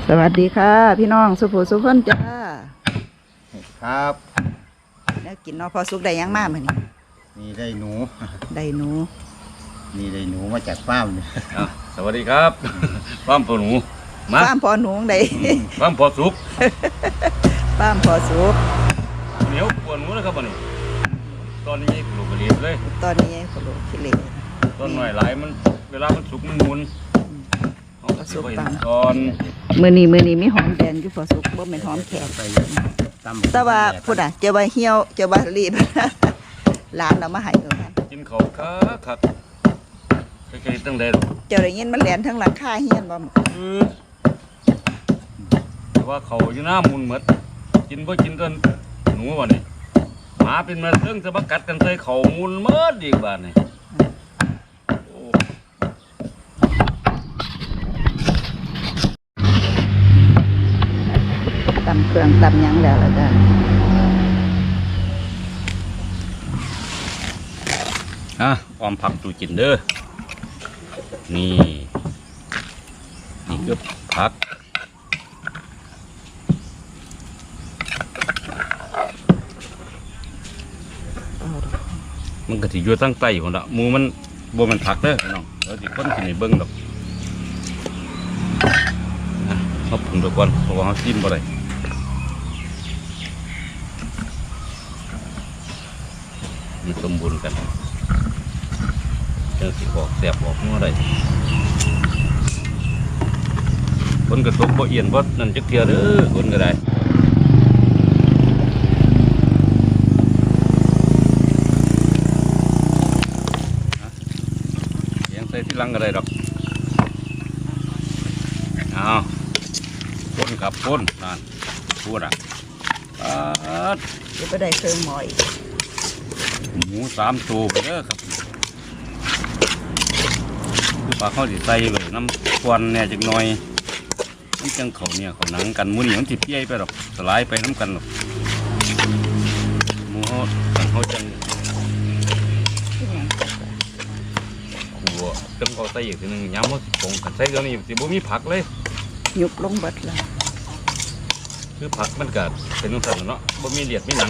สวัสดีค่ะพี่น้องสุภูสุขคนจ้าครับแล้วกินเนาะพอสุกได้ยังมากมื้อนี้นี่ได้หนูได้หนูนี่ได้หนูมาจากฟาร์มเนี่ยสวัสดีครับฟาร์มพอหนูฟาร์มพอหนูได้ฟาร์มพอสุกฟาร์มพอสุกเหนียวปวดหนูนะครับวันนี้ตอนนี้ปลูกกระเลียบเลยตอนนี้เขาลูกขี้เหร่ต้นหน่อยหลายมันเวลามันสุกมันมุนพอสุกปังตอนมื้อนี้มีหอมแดงอยู่พอสุกบ่แม่นหอมแขกแต่ว่าพุ่นน่ะเจ้าว่าเหี่ยวเจ้าว่ารีบหลานเอามาให้เด้อกินเขาครับใกล้ๆตั้งแต่เจ้าได้ยินมันแหลนทั้งหลังคาเฮียนบ่แต่ว่าเขาอยู่หน้ามุนหมดกินบ่กินจนหนูวันนี้หมาเป็นมาเรื่องจะมากัดกันใส่เขามุนหมดอีกบ้านนี่ตำเครื่องตำหยังแล้วล่ะจ้ะออมผักดูกินเด้อนี่ก็ผักมันก็สิอยู่ตั้งใต้คนละมูมันบัวมันผักเด้อน้องเราสิคนกินในเบิ้งดอกเขาปรุงตัวก่อนเพราะว่าเขาจิ้มบ่ได้มันสมบูรณ์กันเจอสิออกแสบออกเมื่อไรคนกระทบบ่เอียนบ่นั่นจักเทียเด้อคนก็ได้ยังใส่ที่ลังก็ได้ดอกเอาคนกับคนนั่นพูดจะไปได้เครื่องหมออีกหมู3 ตัวไปเด้อครับคือปลาข้าวสิใส่เลยน้ำควันเนี่ยจักหน่อยมันจังเขาเนี่ยเขาหนังกันหมูนี่มันสิเปี้ยไปหรอกสลายไปน้ำกันหรอกหมูเขาจังขัวจังเขาใส่อีกทีนึงย้ำว่าสิผงกันใส่เดี๋ยวนี้สิบ่มีผักเลยยุบลงเบิดแล้วคือผักมันกัดเป็นนุ่มสันเนาะบ่มีเลียดมีหนัง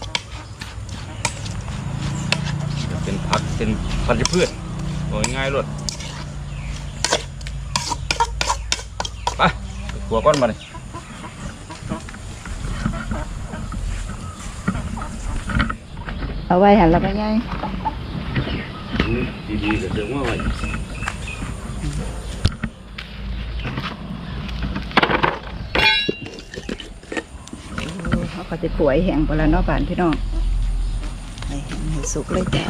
เป็นผักเป็นพันธุ์พืชโอ้ยง่ายรวดไปขัวก้อนมาเลยเอาไว้หันแล้วก็ง่ายดีๆก็เดิมว่าไว้เขาจะขวยแห้งไปแล้วเนาะบ้านพี่น้องให้สุกเลยจ้า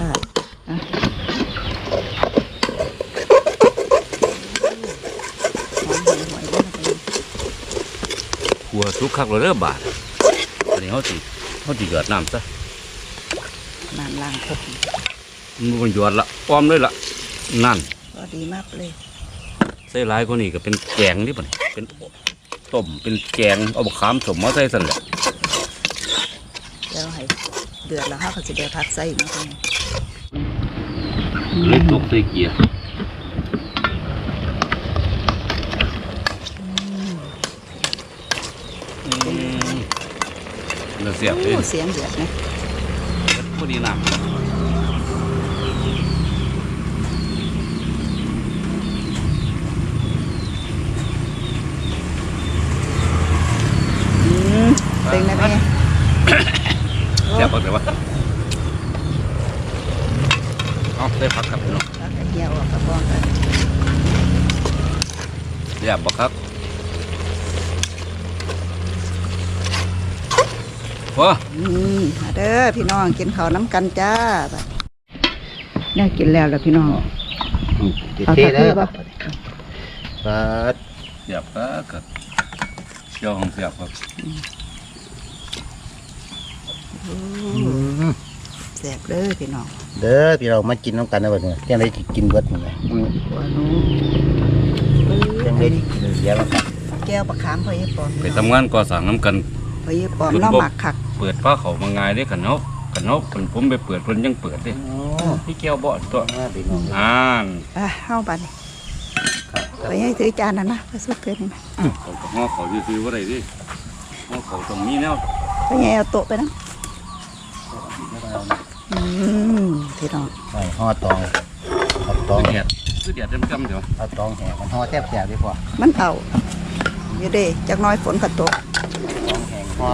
ขัวสุกคักเลยเด้อบาทอันนี้เขาสิหยอดน้ำซะน้ำล้างครบมันหยอดละอ้อมเลยละนั่นก็ดีมากเลยใส่หลายคนนี้ก็เป็นแกงนี่ป่ะเป็นต้มเป็นแกงเอาบะขามสมมาใส่สั่นแหละแล้วให้เดือดแล้วเขาจะได้พักใส่อีกนะเล็กตกใส่เกียร์เสียบเลยเสียงเดือดนะพอดีน้ำเต็งนะแม่เสียบบอกเลยว่าเอาได้พักครับพี่น้องเหี่ยวกระป๋องกันเสียบบอกครับว้าเด้อพี่น้องกินข้าวน้ำกันจ้าเนี่ยกินแล้วพี่น้องเอาเทเลยป่ะเสียบครับเจ้าของเสียบครับแซ่บเด้อพี่น้องเด้อพี่เรามากินน้ำกันนะวันนี้ยังได้กินเบิดหมดเลยยังได้กินเยอะแล้วแก้วปลาขามพอยี่ปอมไปทำงานก่อสร้างน้ำกันพอยี่ปอมน้องหมักขักเปิดผ้าเขามางายได้ขันนกผมไปเปิดเพิ่นยังเปิดเลยพี่แก้วบ่ตัวเข้าไปไปให้ถือจานนั่นนะพระสุกเกินนะเขาก็ห่อเขาซื้อๆว่าไรดิห่อเขาตรงนี้แนวไปให้เอาโต๊ะไปนะพี่น้องใส่ห่อตองเอาตองคือแดดจำๆเดี๋ยวเอาตองแห่มันห่อแทบแสบดีกว่ามันเอาอยู่เด้จักน้อยฝนก็ตกตองแห่ห่อ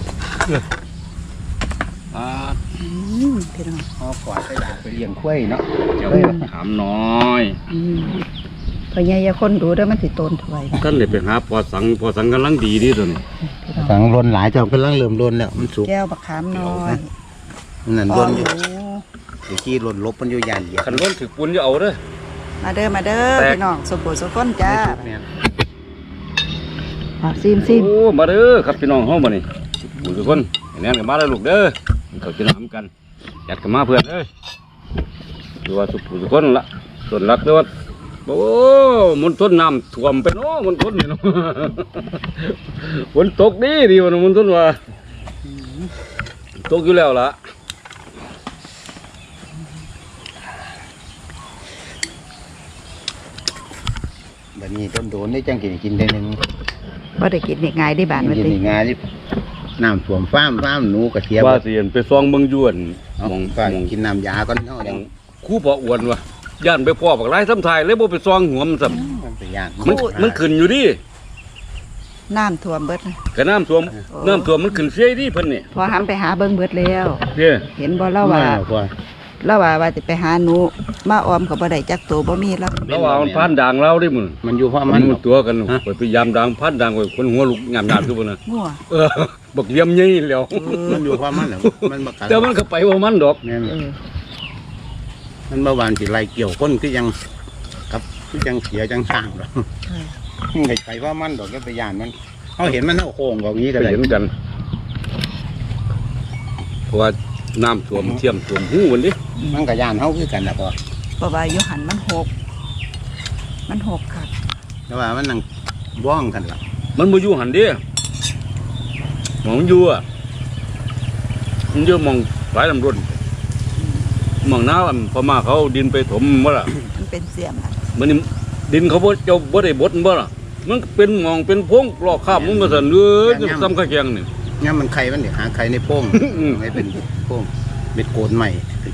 อ่าพี่น้องห่อกวาดไปด่างไปเลี้ยงกล้วยเนาะเดี๋ยวถามน้อยพอใหญ่ยาคนดูได้มันสิโตนถวยท่านเลยไปหาพอสังกำลังดีดีตัวนี้พี่น้องสังรนหลายเจ้ากำลังเริ่มรนแล้วมันสุกแก้วบักขามน้อยนั่นอ๋รอนอยู่หนูเดี๋ยวขี้รนลบมันอยู่ยานเหยียบขันร้นถือปุ่นจะเอาเด้อมาเด้อแตกพี่น้องสมบูรณ์สมก้นจ้าแม่นซิมโอ้มาเด้อครับพี่น้องเฮาบ่นี่ทุกคนแน่นกันมาแล้วลูกเด้อเขาจะน้ำกันจัดกันมาเพื่อนเอ้ยดูว่าทุกคนละส่วนรักเด้อว่าโอ้มันต้นน้ำท่วมไปเนาะมันต้นนี่เนาะ ฝนตกดีวะมันต้นว่าตกอยู่แล้วล่ะแบบนี้ต้นโดนได้จังกินได้หนึงว่าได้กินง่ายได้บานวันกินติในงานที่น้ำท่วมฟ้ามหนูกระเทียมว่าสิเห็นไปซองเบิ่งอยวนเอามองก็มองกินน้ำยาก่อนเนาะยังคู่พออ้วนวะย่านไปพ่อบักหลายซ้ำทายเลยบ่ไปซองหัวมันซ้มันไปย่างำมันขึ้นอยู่ดิน้ำท่วมเบิดนะกระน้ำท่วมมันขึ้นเสียดิเพิ่นนี่พอหำไปหาเบิ่งเบิดแล้วเด้อเห็นบ่เล่าว่าพ่อเล่าว่าจะไปหาหนูมาออมกับบ่ได้จักตัวบ่มีแล้วแล้วว่ามันพันด่างเราได้มึงมันอยู่เพราะมัมัน นตัวกันไปพยายามด่างพันด่างไว้คนหัวลุกหยามๆทุกคนน่ะงัวบักเยี่ยมใหญ่แล้วมันอยู่เพราะมันเหรอมันบักกัดแต่มันก็ไปว่ามันดอกแม่นเออมันเมื่อวานสิไล่เกี่ยวคนคือยังกับคือยังเสียจังสร้างหรอกมันไปเพราะมันดอกก็ไปย่านมันเขาเห็นมันเอาโค้งแบบนี้ก็ไปเลยเห็นกันเพราะว่าน้ำท่วมเทียมท่วมหูมันดิมันก็ย่านเขาคือกันนะพ่อเพราะว่าอยู่หันมันหกค่ะแต่ว่ามันนั่งว่องกันล่ะมันบ่อยู่หันเดิมองอยู่อ่ะมันอยู่มองหลายลำรุนมองน้ำพม่าเขาดินไปถมบ่ล่ะมันเป็นเสียมอะมันนี่ดินเขาบ่เจ้าบ่ได้บดบ่ล่ะมันเป็นหมองเป็นพงลอกคราบมันก็สั่นเอ้ยซ้ำข้าแกงนี่เนี่ยมันไข่มันเดี๋ยวหาไข่ในโป้งอืมไม่เป็นโป้งเป็นโกนใหม่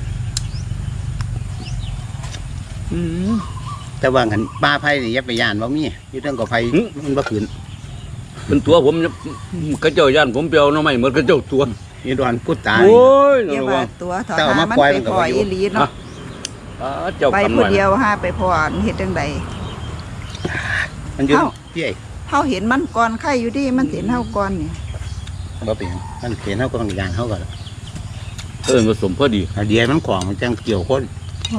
แต่ว่าหันป้าไผ่นี่อยับไปย่านว่ามีอยู่เรื่องกับไผ่มันบ่ขืนเป็นตัวผมเนี่ยเขาเจ้าย่านผมเปียวหน้อไม่เหมือนเขาเจ้าตัวนี่ดอนพูดตายโอ้ยเรียกระว่าวังตัวถอแต่เอาหามามันปล่อยไปมันก็พอบ่อยู่อีหลีเนาะเจ้าไปคำหผู้น่อยเดียวหาไปพอเฮ็ดจังใดมันอยู่เอ้าพี่ไอ้เฮาเห็นมันก่อนไข่อยู่ดิมันเห็นเฮาก่อนนี่บ่เปลี่ยนมันเขียนเขาก็ต้องย่านเขาก่อนผสมพอดีเดียวมันของมันจังเกี่ยวคน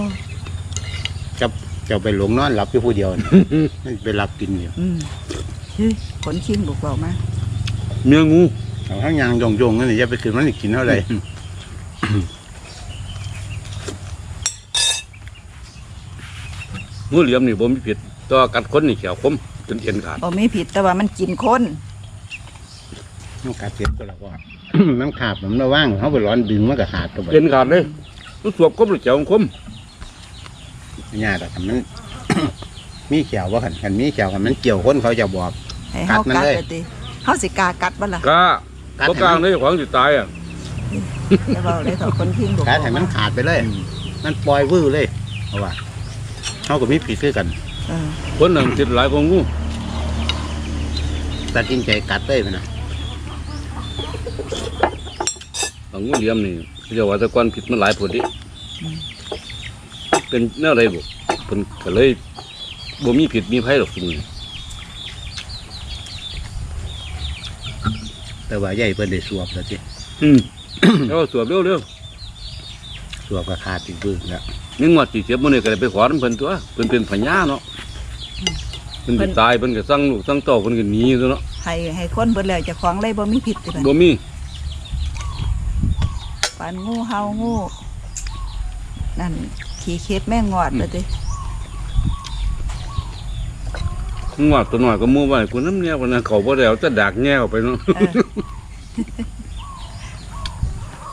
จะไปหลงนอนหลับอยู่ผู้เดียวนี่ มันไปหลับกินอยู่เฮ้ยขนชิงบุกเบามาเนื้องูเอาทั้งยางยงๆนั่นนี่อย่าไปขืนมันสิกินเท่าไหร่งูเหลี่ยมนี่บ่มีผิดแตัวากัดคนนี่เขียวคมจนเอ็นขาดบ่มีผิดแต่ว่ามันกินคนมันกัดเจ็บก็แล้วก็ มันขาดมันระว่างเขาไปร้อนดึงมันก็ขาดตัวไปเอ็นขาดเลยมันสวบคมหรือเขียวคมญาติอะมัน มีเขียวว่าขันมีเขียวขันมันเกี่ยวคนเขาจะบอกให้เฮากัดมันกัดเลยเลยติเฮาสิกล้ากัดบ่ล่ะกล้ากัดบ่ให้กลางมันเลยของสิตายอ่ะแต่ว่าได้ถอดคนชิงบุกกัดให้มันขาดไปเลย มันปล่อยวื้อเลยเพราะว่าเขาก็มีผิดคือกันเออคนหนึ่งติดหลายของงูตัดสินใจกัดเลยไปนะของงูเหลี่ยมนี่เรียกว่าแตะกอนผิดมันหลายผลดิเป็นแนวอะไรบุเพิ่นก็เลยบ่มีผิดมีภัยหรอกซุมื้อแต่ว่าใหญ่เพิ่นได้สวบแล้วสิแล้วสวบเร็วสวบก็ขาดอีกบื้อแล้วๆนี่งวดสิเสียมื้อนี้ก็ได้ไปขอนํเพิ่นตัวเพิ่นเป็นพญาเนาะเพิ่นสิตายเพิ่นก็สั่งลูกสั่งเต้าเพิ่นก็หนีตัวเนาะให้คนเบิดแล้วเจ้าของเลยบ่มีผิดติบัดบ่มีปานงูเฮางูนั่นขี้เข็ดแม่งงอดเลยติงวดตัวน้อยก็มู่ไว้กูน้ำเนี่ยวันนั้นเขาบ่ได้เอาจะดักแง่ออกไปเนาะเออ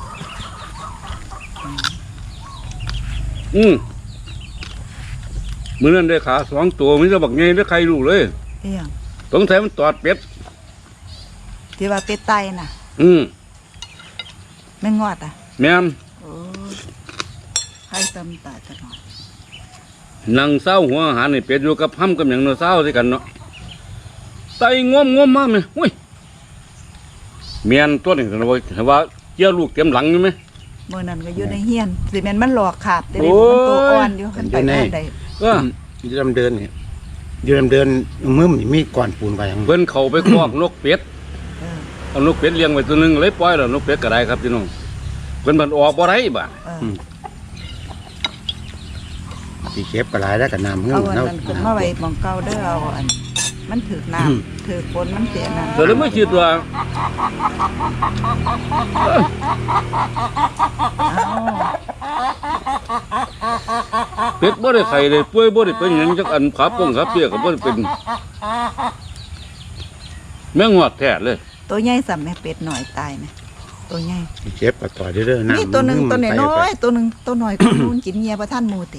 อืมมื้อนั้นได้ขา2ตัวมีแต่บักใหญ่ได้ใครลูกเลยเอียงสงสัยมันตอดเป็ดที่ว่าเป็ดไตน่ะอืมแม่งอดอ่ะแม่นโอ้ใครตำตาจะหน่อยนั่งเศร้าหัวอาหารนี่เป็ดอยู่กับห้ำกับหยังเนาะเศร้าสิกันเนาะไตงอมมาแม่อุ้ยเมียนตัวนี้ก็ว่าเกี่ยวลูกเต็มหลังอยู่ไหมเมื่อนั้นก็อยู่ในเฮียนสิแม่นมันหลอกขาดแต่เด็กโอ้ยมันตัวอ่อนอยู่มันไปบ้านใดก็ยืดเดินเนี่ยยืดเดินมึมมีก่อนปูนไปยังเพิ่นเข้าไปคอกนกเป็ดเออเอานกเป็ดเลี้ยงไว้ตัวหนึงเลยปล่อยแล้วนกเป็ดก็ได้ครับพี่น้องเพิ่นมันออกบ่ได้บาดเออตีเก็บกระไรแล้วกับน้ำเงืเอาอกอันเนาะนั้นขึ้นมาไว้หมองเก่าเด้อเอาอันมันถือน้ำถือฝนมันเสียน้ำแต่แล้วไม่คิดว่า เป็ดบ่ได้ไข่เลยป่วยบ่ได้เป็นหยังจักอันขาป้องขาเปียกก็บ่ได้เป็นแม่งอดแท้เลยตัวใหญ่สัมแม่เป็ดหน่อยตายไหมตัวใหญ่ตีเก็บกระต่อยเรื่อยๆน้ำนี่ตัวหนึ่งตัวมัน้อยไปๆตัวหนึ่งตัวหน่อยก็นู่นกินเงียประท่านหมูติ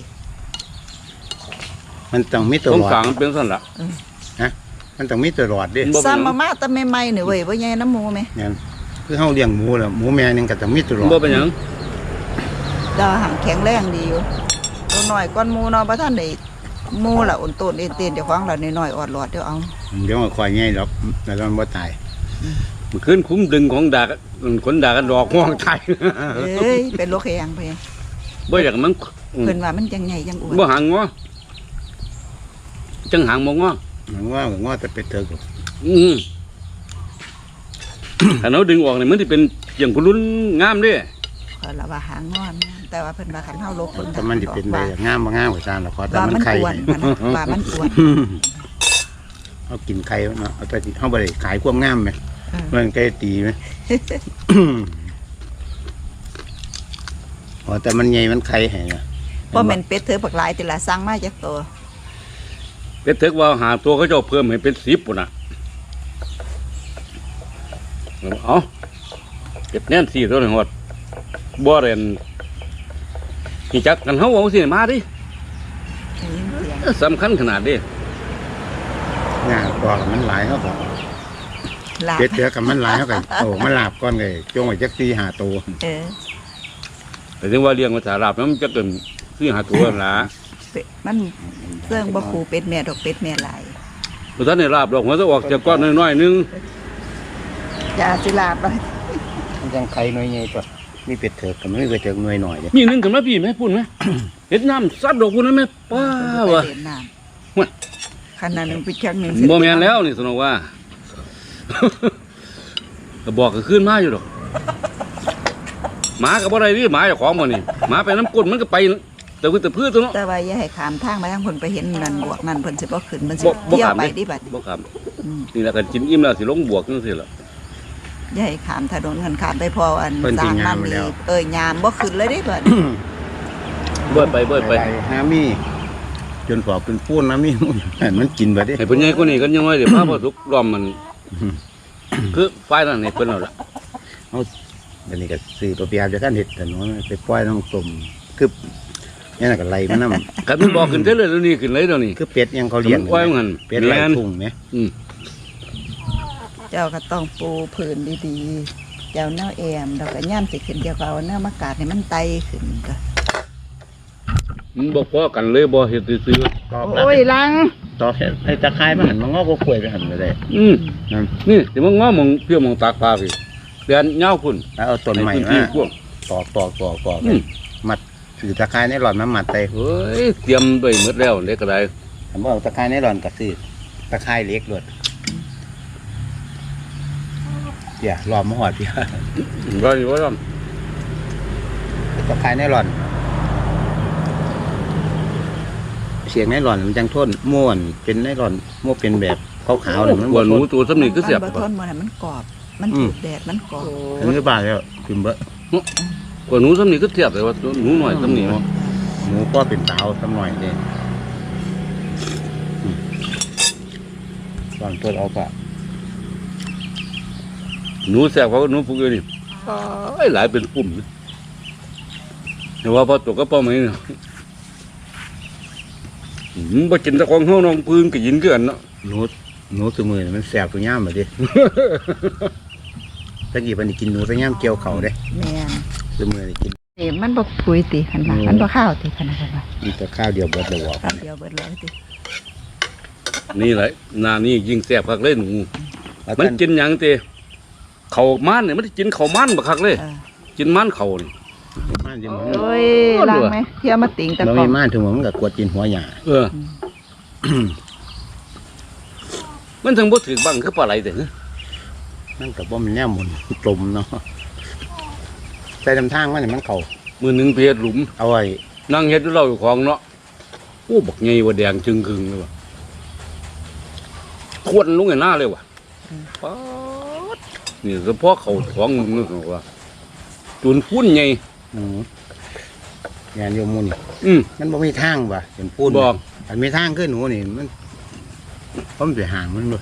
มันต้องมีตัวตรงหลอกลางมันเป็นซั่นล่ะมันต้องมีตัวหลอดดิบ่เป็นหซ้ำยังมาแต่ใหม่ๆนี่เว้ยว่าใหญ่น้ำหมูไหมเนี่ยคือเฮาเลี้ยงหมูแล้วหมูแม่นึงก็ต้องมีตัวหลอดบ่เป็นหยังดาวหังแข็งแรงดีอยู่ตัวหน่อยก้อนหมูเนาะประท่านได้หมูละอุ่นต้นเต้นๆเดี๋ยวฟังเราหน่อยๆออดหลอดเดี๋ยวเอาเดี๋ยวมันคอยง่ายหรอกแล้วมันบ่ตายเมื่อคืนคุ้มดึงของดากขนดากันดอกห้องไทยเอ้ยเป็นโรคแข็งไปบ่อยากมันเพิ่นว่ามันจังใหญ่จังอ้วนบ่หางงอจังหางบ่งอมันว่าแต่เป็ดเถิกอืม ถ้าเราดึงออกนี่มันสิเป็นอย่างพุลุนงามเด้เพิ่นละว่าหางงอนแต่ว่าเพิ่นว่าคันเฮาลบเพิ่นแต่มันสิเป็นไปงามบ่งามกว่าซานหรอกขอแต่ว่ามัมัน นไข่อ้วนมันว่ามันอ้วนเอากินไข่เนาะเอาไปเฮาบ่ได้ขายความงามไหมเออมันไก่ตีไหม อ๋อแต่มันใหญ่มันไข่ให้นะบ่แม่นเป็ดเธอปักหลายแต่ละสั่งมาจากตัวเป็ดเถิกว่าหาตัวเขาเจ้าเพิ่มให้เป็น10ปุ่นน่ะเอาเก็บแน่น4ตัวนี่ฮอดบ่เรนนี่จักกันเฮาเอาสิมาดิได้ยินเสียงสำคัญขนาดเด้งาตัวกับมันหลายเฮาก็ลาบเป็ดเถือกับมันหลายเฮาก็โอ้มันลาบก่อนเลยจงไว้จัก4-5ตัวเออแต่ถึงว่าเลี้ยงภาษาลาบมันจะเกิน4-5ตัวนั่นล่ะเป็ดมันเรื่องบ่คูเป็ดแม่ดอกเป็ดแม่หลายบ่ทันได้ลาบดอกหัวจะออกจากก้อนน้อยๆนึงอย่าสิลาบไปมันจังไข่หน่อยใหญ่ตัวมีเป็ดเถือกกับมันมีเป็ดเถือกหน่อยหน่อยเด้มีหนึงขึ้นมาพี่ไหมพูดไหม เฮ็ดน้ำซัดดอกพุ่นนั้นไหมป้าวะไปเล่นน้ห่วยำขนาดหนึงไปชักหนึงบ่แม่นแล้วนี่สนองว่า ก็บอกก็ขึ้นมาอยู่ดอกหมาก็บ่ได้ดิหมาเจ้าของบ่นี่หมาไปน้ำก้นมันก็ไปแต่คือแต่พืชตัวเนาะแต่ว่าอย่าให้ขามทางมาทางเพิ่นไปเห็นนั่นบวกนั่นเพิ่นสิบ่ขึ้นมันสิบ่เที่ยวขามไปเด้ดิบัดบ่ครับอืมนี่แหละกันกินอิ่มแล้วสิลงบวกจังซี่ล่ะอย่าให้ขามถนนกันขามไปพออันสร้างนั่นนี่ยามบ่ขึ้นเลยเด้บัดเบิดไปเบิดไปหามีจนพอเป็นปูนนะมี มันกินไปดิให้เพิ่นใหญ่กว่านี้กันยังไงเดี๋ยวพาบ่สุกล้อมมัน คือฝ่ายนั้นให้เพิ่นเอาล่ะเดี๋ยวนี้ก็ซื้อตัวเปียจะกันเห็ดแต่น้อยไปปล่อยน้องตุ่มคือนี่น่ะก็ไล่มันน้ำคันมันบอกขึ้นเด้อเลยเดี๋ยวนี้ขึ้นเลยเดี๋ยวนี้คือเป็ดยังเขาเลี้ยงปล่อยมันเป็ดไล่แม่นทุ่งไหมอืมเจ้าก็ต้องปูพื้นดีๆ เจ้าแนวแอมแล้วก็ย่ามสิขึ้นเจ้าก็เอาแนวมากาดให้มันไตขึ้นก็มันบ่พอกันเลยบ่เฮ็ดซื่อโอ้ยลังต่อไอ้ตะไคร้มันหันมันงอกก็กล้วยไปหันไปเลยๆนี่สิมันง้อมองเพี้ยมองตากปลาพี่เดือนยาวพุ่นแล้วเอาต้นใหม่ในพื้นมาที่กว้างตอกอืมมัดถือตะไคร้ในหลอดมันมัดไปเฮ้ยเตรียมไว้หมดแล้วเล็กก็ได้ผมบอกตะไคร้ในหลอดกับซื้อตะไคร้เล็กเลยอย่าหลอดมาหอดพี่ว่าอยู่ว่าตะไคร้ในหลอดเสียงในหลอดมันจังทนม่วนเป็นในหลอดม่วนเป็นแบบขาวๆเนี่ยมันกว่าหนูทตัวสำนีก็เสียบมันบ่ทนมื้อนั้นมันกรอบ มันอืถูมกแดดมันกรอบนอันนี้บาทแล้วกินเบะกว่าหนูสำนีก็เสียบเลยว่าหนูหน่อยสำนีหมูก็เป็นเตาสักหน่อยเด้ตอนเปิดเอาปะหนูแสบเขาก็หนูพวกนี้ไอ้หลายเป็นปุ่มแต่ว่าพอตกก็ป้อมนี่บ่กินแตะของเฮาน้องพื้นก็ยินคือกันเนาะหนูสมือนี่มันแสบตัวยามมาดิ ตะกี้เพิ่นนี่กินหนูแตะยามเกี่ยวเขาเด้แม่นสมือนี่กินนี่มันบ่ปุ๋ยติคันว่ามันบ่ข้าวติคันว่ามีแต่ข้าวเดียวเบิดเลยบ่ข้าวเดียวเบิดเลยตินี่แหละหน้านี่ยิ่งแซ่บคักเลยหนูมันกินหยังติข้าวมันนี่มันสิกินข้าวมันบักคักเลยเออกินมันข้าวนี่ม่านสิหมอโอ้ยล้างไหมเที่ยวมาติงแต่บ่ก่อมีนม่านถึงหมอมันก็กวดกินหัวหญ้าเออ มันถึงบ่ถือบังคือปลาไหลแต่ฮะมันก็บ่มันแนวหมุนกลมเนาะใส่ลำทางมันนี่มันเข้ามื้อหนึงเพชรหลุมเอาไว้นั่งเฮ็ดอยู่เราอยู่ของเนาะโอ้บักใหญ่ว่าแดงจึงครึ่งเลยว่ะควนลงในหน้าเลยว่ะป๊าดนี่เฉพาะเขาท้องมึงนึกว่าจุนพุ่นใหญ่งานโยมมูนี่ มันบ่มีทางว่ะเป็นปูนบอกอันมีทางขึ้นหนูนี่มันเพราะมันไปห่างมันเลย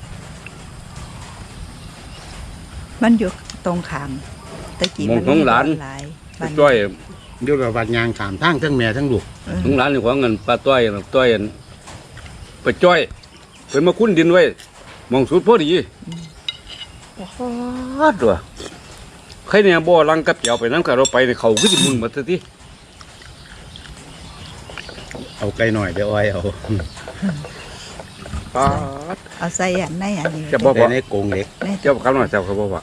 มันอยู่ตรงขามตะกี้มองของหลานหลายบ้านจ้อยเดี๋ยวเราบัดยางขามทางทั้งแม่ทั้งลูกเออของหลานนี่ของเงินปลาต้อยน่ะต้อยอันไปจ้อยเป็นมาคุ้นดินไว้มองสุดพอดีป๊าดว่ะใครเนี่ยบ่ลังกับเจียวไปน้ำกับเราไปในเขาคือสิมุนมาซะทีเอาไกลหน่อยเดี๋ยวอ้อยเอาป๊าดเอาใส่อันในอันนี้จะบอกแต่ในกรงเหล็กเจ้าคำหน่อยเจ้าเขาบอกว่า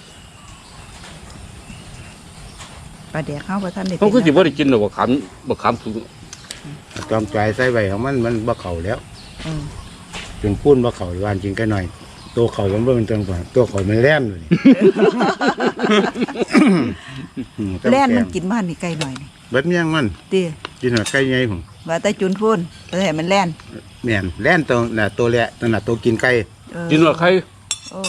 ปลาเดี๋ยวเข้าบ่ทันได้เขาคือสินบ่ได้กินหรอกบ่ขำสูงจอมใจใส่ไว้ของมันบ่เข่าแล้วเออจนพูนบ่เข่ายวานจริงไกลหน่อยตัวเข่ามันบ่เป็นตัวก่อนตัวเข่ามันแล่นเลยแล่นมันกินมันนี่ไกลหน่อยนี่เบิดเมี่ยงมันติกินหัวไก่ใหญ่ผมว่าแต่จุนพูนแต่ให้มันแล่นแม่นแล่นตัวน่ะตัวแหละตัวน่ะตัวกินไก่เออกินว่าใครโอ้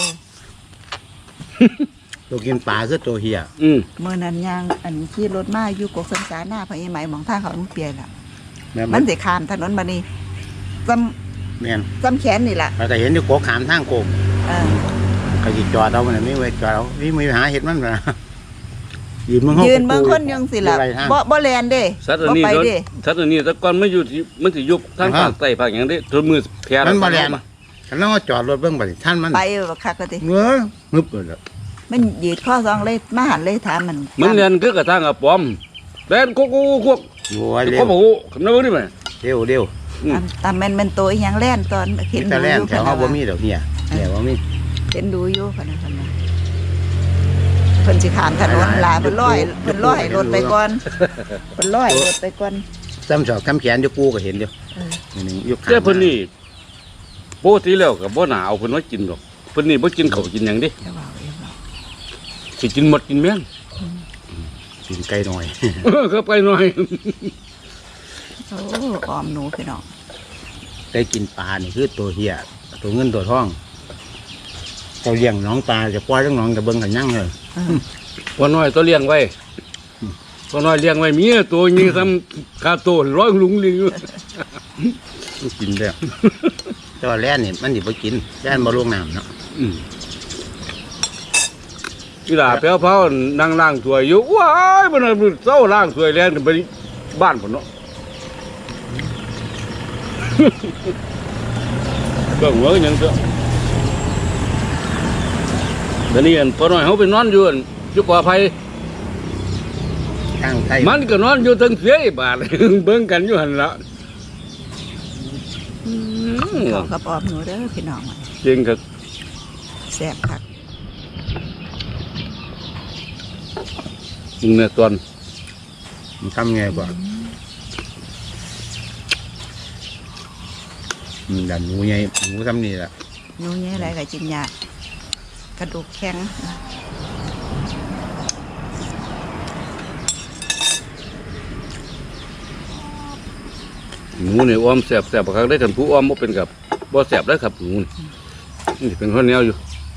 ตัวกินปลาคือตัวเหี่ยมื้อนั้นย่างอันขี่รถมาอยู่กกสังสาหน้าพระอีไหมหมองทางเขามันเปียล่ะแม่มันสิข้ามถนนมานี่ซ้แม่นำซ้ำแขนนี่ล่ะเราก็เห็นอยู่โกขามทางโกงเออเขาสิจอดเอามันน่ะไม่ไว้จอดเอานี่มือหาเห็ดมันนะยืนมึงยืนเบิ่งคนยังสิล่ะอยู่ไรทางบ่แล่นเด้สัตว์อันบ่นี้ไปเด้เด้สัตว์อันนี้แต่ก่อนมันอยู่ที่มันสิยุบทางภาคใต้ภาคหยังเด้ตัวมือแพร่มันบ่แล่นคันเราจอดรถเบิ่งบัดนี้ท่านมันไปบักคักก็ติเงื้องึบเลยล่ะมันยืดข้อซองเลยมาหันเลยถามมันมันเรียนคือกระทั่งอะปอมแล่นกุ๊กกุ๊กโอ้ยเร็เขาวบอกคำนั้นบ่ได้มั้ยเร็วเร็วตามแม่นตัวอีหยังแล่นตอนเห็นแต่ดูแล่อน ยู่แถวเฮาบ่มีดอกเหี่ยแต่ว่ามีเห็นดูอยู่พะนะพะนะเพิ่นสิข้ามถนนลาเพิ่นร้อยรถไปก่อนเพิ่นร้อยรถไปก่อนซ้ำศอกซ้ำแขนอยู่กูก็เห็นอยู่เออนี่อยู่ข้างแต่เพิ่นนี่ปกติแล้วก็บ่น่าเอาเพิ่นมากินหรอกเพิ่นนี่บ่กินข้าวกินหยังเด้อย่าเว้าอย่าเว้าสิกินหมดกินแม่งกินไก่หน่อยก็ไปหน่อยโอ้ออมหนูพี่น้องไก่กินปลานี่คือตัวเหี่ยตัวเงินตัวทองเจ้าเลี้ยงน้องปลาจะปล่อยทั้งน้องจะเบิ่งกันยังเลยเออพอน้อยตัวเลี้ยงไว้พอน้อยเลี้ยงไว้เมียตัวนี้ทำคาโตร้อยลุงลิงอยู่มันกินแล้วแต่ว่าแล่นนี่มันสิบ่กินแล่นบ่ลงน้ำเนาะอีหล่าแพ้วๆนั่งล้างถ้วยอยู่ว้ายมันน่ะเศร้าล้างถ้วยแล่นกันไปบ้านพุ่นเนาะ ก็หัวกันหยังเถอะเดี๋ยวนี้อันพอน้อยเขาไปนอนอยู่อันอยู่ป่าไผ่ทางไทยมันก็นอนอยู่ทั้งเสียบาท เบิ่งกันอยู่หันละเขากับออมหนูเด้อพี่น้องมันจริงครับแซ่บคักจริงเนี่ยตอนมันทำไงกว่าดันหมูใหญ่หมูทำนี่แหละหนูแย่อะไรก็กินยากกระดูกแข็งหมูนี่อ้อมแสบบักคักได้กันผู้อ้อมบ่เป็นกับบ่แสบได้ครับหมูนี่เป็นข้าวเหนียวอยู่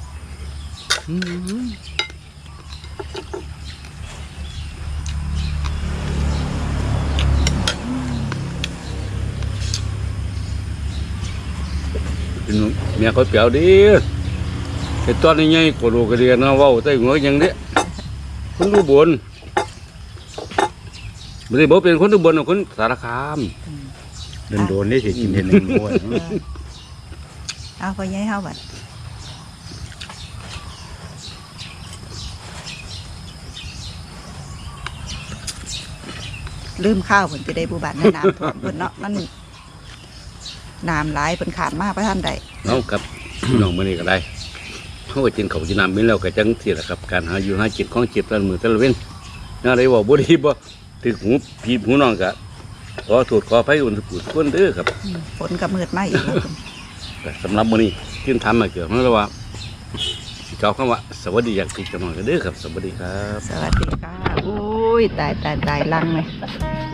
เป็นเมียเขาเปรียวดีไอ้ตอนนี้ไงโกโลกระเดียนนะเว้าใต้หัวอย่างนี้คนดูบนไม่ได้บอกเป็นคนดูบนคนสารคามโดนๆนี่สิกินเห็นหนึ่งม้วนเอาไปย้ายเฮาบัดลืมข้าวเพิ่นจะได้ผู้บาดในน้ำท่วมเพิ่นเนาะมันน้ำหลายเพิ่นขาดมากประท่านใดเอาครับพี่น้องมื้อนี้ก็ได้เฮาก็กินข้าวกินน้ำมีแล้วก็จังซี่แหละครับการหาอยู่หากินของเจ็บแต่ละมื้อแต่ละเว้นน่าได้เว้าบ่ดีบ่ถึกหูพี่หูน้องก็ขอโทษขออภัยอุ่นสุดคนเด้อครับฝนก็มืดมาอีกแล้วเพิ่นแต่สำหรับมื้อนี้ที่ทำมาเกี่ยวกับว่าสิกล่าวคำว่าสวัสดีอย่างถูกต้องกันเด้อครับสวัสดีครับสวัสดีค่ะอุ้ยตายลังเลย